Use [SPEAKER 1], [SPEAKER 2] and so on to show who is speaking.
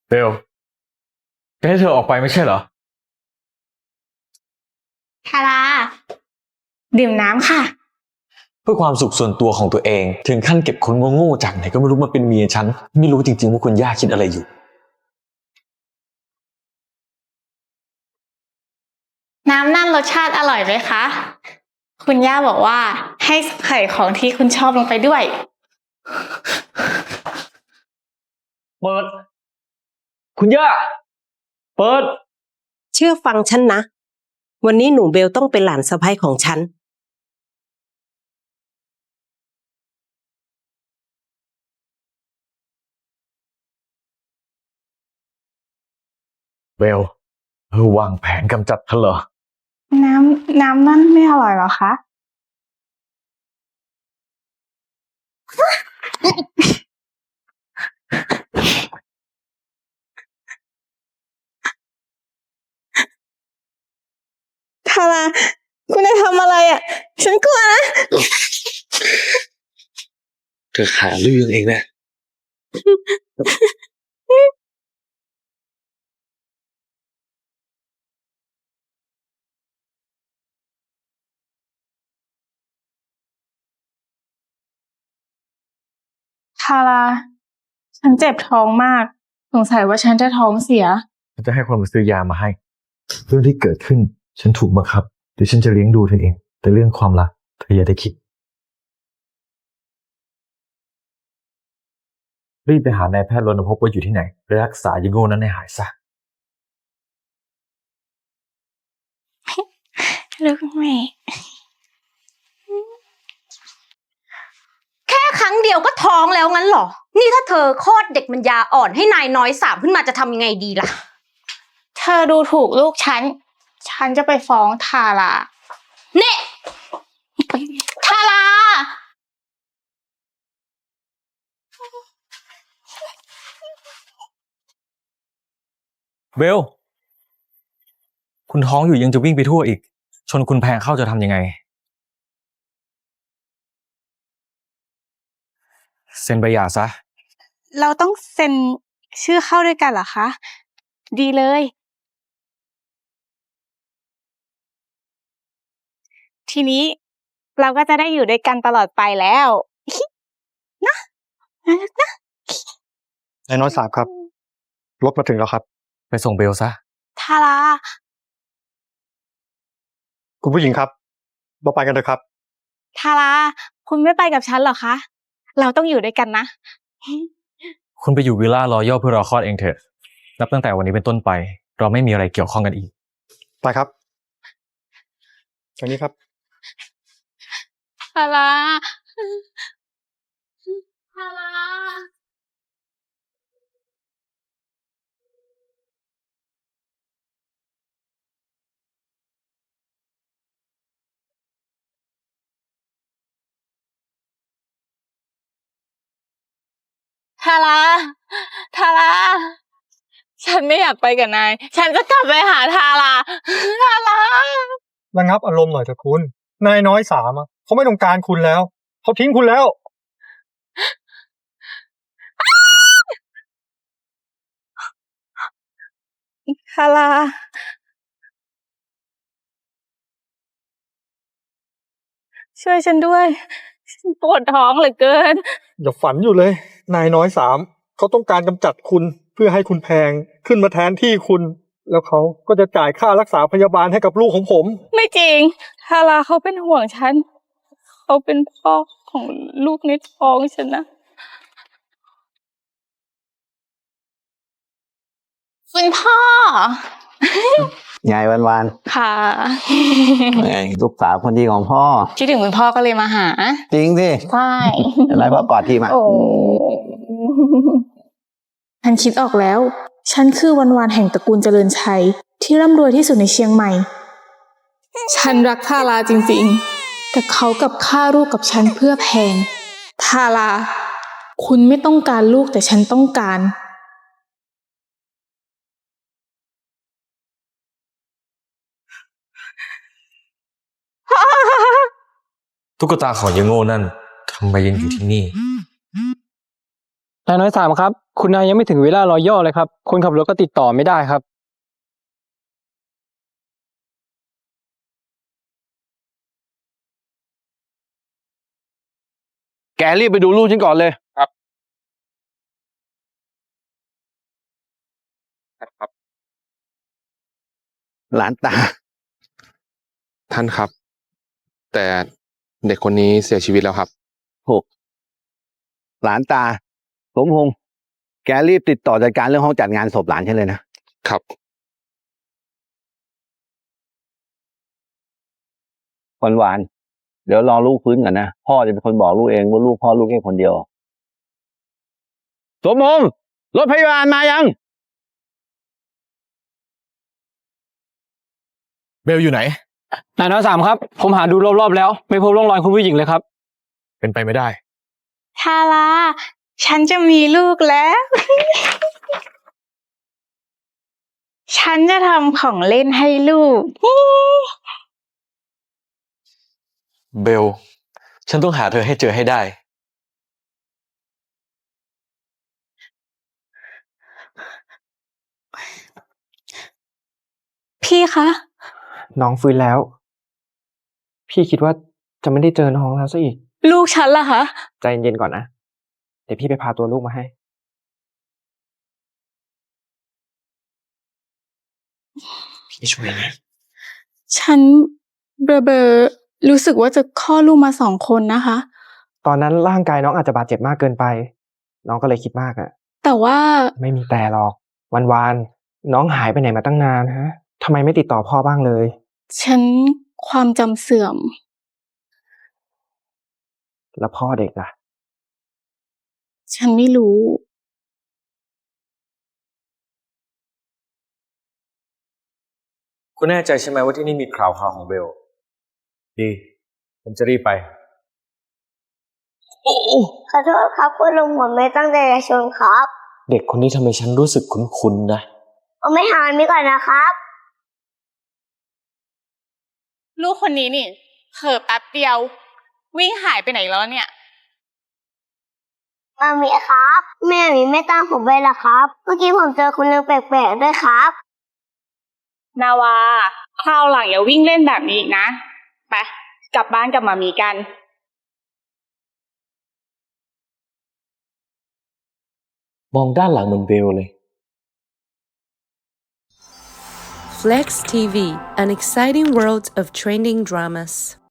[SPEAKER 1] เบลแกให้เธอออกไปไม่ใช่เหรอ
[SPEAKER 2] ทาราดื่มน้ำค่ะ
[SPEAKER 1] เพื่อความสุขส่วนตัวของตัวเองถึงขั้นเก็บคนโง่ๆจากไหนก็ไม่รู้มาเป็นเมียฉันไม่รู้จริงๆว่าคุณย่าคิดอะไรอยู่
[SPEAKER 2] น้ำนั่นรสชาติอร่อยไหมคะคุณย่าบอกว่าให้ใส่ของที่คุณชอบลงไปด้วย
[SPEAKER 1] เปิดคุณย่าเปิด
[SPEAKER 3] เชื่อฟังฉันนะวันนี้หนูเบลต้องเป็นหลานสะใภ้ของฉัน
[SPEAKER 1] เบลวางแผนกำจัดเธอเหรอ
[SPEAKER 2] น้ำนั่นไม่อร่อยหรอคะทาราคุณจะทำอะไรอ่ะฉันกลัวนะ
[SPEAKER 1] เธอหาเรื่องเองนะ
[SPEAKER 2] ทาราฉันเจ็บท้องมากสงสัยว่าฉันจะท้องเสีย
[SPEAKER 1] ฉันจะให้คนมาซื้อยามาให้เรื่องที่เกิดขึ้นฉันถูกบังคับเดี๋ยวฉันจะเลี้ยงดูเธอเองแต่เรื่องความรักเธออย่าได้คิดรีบไปหานายแพทย์รณพบว่าอยู่ที่ไหนและรักษายายโง่นั้นให้หายซะ
[SPEAKER 2] ลูกแม่
[SPEAKER 4] แค่ครั้งเดียวก็ท้องแล้วงั้นเหรอ นี่ถ้าเธอคลอดเด็กมันยาอ่อนให้นายน้อยสามขึ้นมาจะทำยังไงดีล่ะ
[SPEAKER 2] เธอดูถูกลูกฉันจะไปฟ้องทารา
[SPEAKER 4] เน่
[SPEAKER 2] ทารา
[SPEAKER 1] เบลคุณท้องอยู่ยังจะวิ่งไปทั่วอีกชนคุณแพงเข้าจะทำยังไงเซ็นใบหย่าซะ
[SPEAKER 2] เราต้องเซ็นชื่อเข้าด้วยกันเหรอคะดีเลยทีนี้เราก็จะได้อยู่ด้วยกันตลอดไปแล้วนะนะ
[SPEAKER 5] นายน้อยสามครับรถมาถึงแล้วครับ
[SPEAKER 1] ไปส่งเบลซะ
[SPEAKER 2] ทารา
[SPEAKER 5] คุณผู้หญิงครับเราไปกันเถอะครับ
[SPEAKER 2] ทาราคุณไม่ไปกับฉันเหรอคะเราต้องอยู่ด้วยกันนะ
[SPEAKER 1] คุณไปอยู่วิลล่ารอยัลเพื่อรอคลอดเองเถอะนับตั้งแต่วันนี้เป็นต้นไปเราไม่มีอะไรเกี่ยวข้องกันอีก
[SPEAKER 5] ไปครับทางนี้ครับ
[SPEAKER 2] ทาราทาราทาราทาราฉันไม่อยากไปกับนายฉันจะกลับไปหาทาราทารา
[SPEAKER 5] ระงับอารมณ์หน่อยเถอะคุณนายน้อยสามเขาไม่ต้องการคุณแล้วเขาทิ้งคุณแล้ว
[SPEAKER 2] ทาราช่วยฉันด้วยฉันปวดท้องเหลือเกิน
[SPEAKER 5] อย่าฝันอยู่เลยนายน้อยสามเขาต้องการกำจัดคุณเพื่อให้คุณแพงขึ้นมาแทนที่คุณแล้วเขาก็จะจ่ายค่ารักษาพยาบาลให้กับลูกของผม
[SPEAKER 2] ไม่จริงทาราเขาเป็นห่วงฉันเขาเป็นพ่อของลูกในท้องฉันนะคุณพ่อย
[SPEAKER 6] ายวัน
[SPEAKER 2] ค่ะ
[SPEAKER 6] ไงลูกสาวคนดีของพ่อ
[SPEAKER 2] คิดถึงคุณพ่อก็เลยมาหา
[SPEAKER 6] จริงสิ
[SPEAKER 2] ใช่
[SPEAKER 6] อะไรพ่อกอดทีมา
[SPEAKER 2] โอ้ฉันคิดออกแล้วฉันคือวันแห่งตระกูลเจริญชัยที่ร่ำรวยที่สุดในเชียงใหม่ฉันรักทาราจริงๆแต่เขากับฆ่าลูกกับฉันเพื่อแพงทาราคุณไม่ต้องการลูกแต่ฉันต้องการ
[SPEAKER 1] ตุ๊กตาของยายโง่นั่นทำไมยังอยู่ที่นี่
[SPEAKER 6] นายน้อยสามครับ
[SPEAKER 7] คุณนายยังไม่ถึงเวลารอย่อเลยครับ คนขับรถก็ติดต่อไม่ได้ครับ
[SPEAKER 6] แกรีบไปดูลูกฉันก่อนเลย
[SPEAKER 8] ครับ
[SPEAKER 6] หลานตา
[SPEAKER 8] ท่านครับ แต่เด็กคนนี้เสียชีวิตแล้วครับ
[SPEAKER 6] ถูก หลานตา สมพงษ์แกรีบติดต่อจัดการเรื่องห้องจัดงานศพหลานฉันเลยนะ
[SPEAKER 8] ครับ
[SPEAKER 6] หวานเดี๋ยวรอลูกฟื้นก่อนนะ พ่อจะเป็นคนบอกลูกเองว่าลูกพ่อลูกแค่คนเดียว สมพงษ์รถพยาบาลมายัง
[SPEAKER 1] เบลอยู่ไหน
[SPEAKER 7] นายน้อยสามครับ ผมหาดูรอบๆแล้ว ไม่พบร่องรอยคุณผู้หญิงเลยครับ
[SPEAKER 1] เป็นไปไม่ได้
[SPEAKER 2] ทาราฉันจะมีลูกแล้ว ฉันจะทำของเล่นให้ลูก
[SPEAKER 1] เบล ฉันต้องหาเธอให้เจอให้ได้
[SPEAKER 2] พี่คะ
[SPEAKER 7] น้องฟื้นแล้ว พี่คิดว่าจะไม่ได้เจอน้องแล้วซะอีก
[SPEAKER 2] ลูกฉันล่ะคะ
[SPEAKER 7] ใจเย็นๆก่อนนะ เดี๋ยวพี่ไปพาตัวลูกมาให้ พี่ช่วยนะ
[SPEAKER 2] ฉันเบลอๆรู้สึกว่าจะคลอดลูกมา2 คนนะคะ
[SPEAKER 7] ตอนนั้นร่างกายน้องอาจจะบาดเจ็บมากเกินไป น้องก็เลยคิดมากอะ
[SPEAKER 2] แต่ว่า
[SPEAKER 7] ไม่มีแต่หรอก วันๆน้องหายไปไหนมาตั้งนานฮะทำไมไม่ติดต่อพ่อบ้างเลย
[SPEAKER 2] ฉันความจำเสื่อม
[SPEAKER 7] แล้วพ่อเด็กล่ะ
[SPEAKER 2] ฉันไม่รู้
[SPEAKER 1] คุณแน่ใจใช่ไหมว่าที่นี่มีข่าวของเบล ดีผมจะรีบไป
[SPEAKER 9] ขอโทษครับคุณลุงผมไม่ตั้งใจจะชนครับ
[SPEAKER 7] เด็กคนนี้ทำไมฉันรู้สึกคุ้นๆนะ
[SPEAKER 9] เอาไม่หามีก่อนนะครับ
[SPEAKER 2] ลูกคนนี้นี่เผลอแป๊บเดียว วิ่งหายไปไหนแล้วเนี่ย
[SPEAKER 9] มามีครับ แม่มีไม่ตั้งผมไว้ละครับ เมื่อกี้ผมเจอคุณลุงแปลกๆด้วยครับ
[SPEAKER 2] นาวาคราวหลังอย่าวิ่งเล่นแบบนี้อีกนะ ไปกลับบ้านกับมามีกัน
[SPEAKER 7] มองด้านหลังเหมือนเบลเลย
[SPEAKER 10] Flex TV, an exciting world of trending dramas.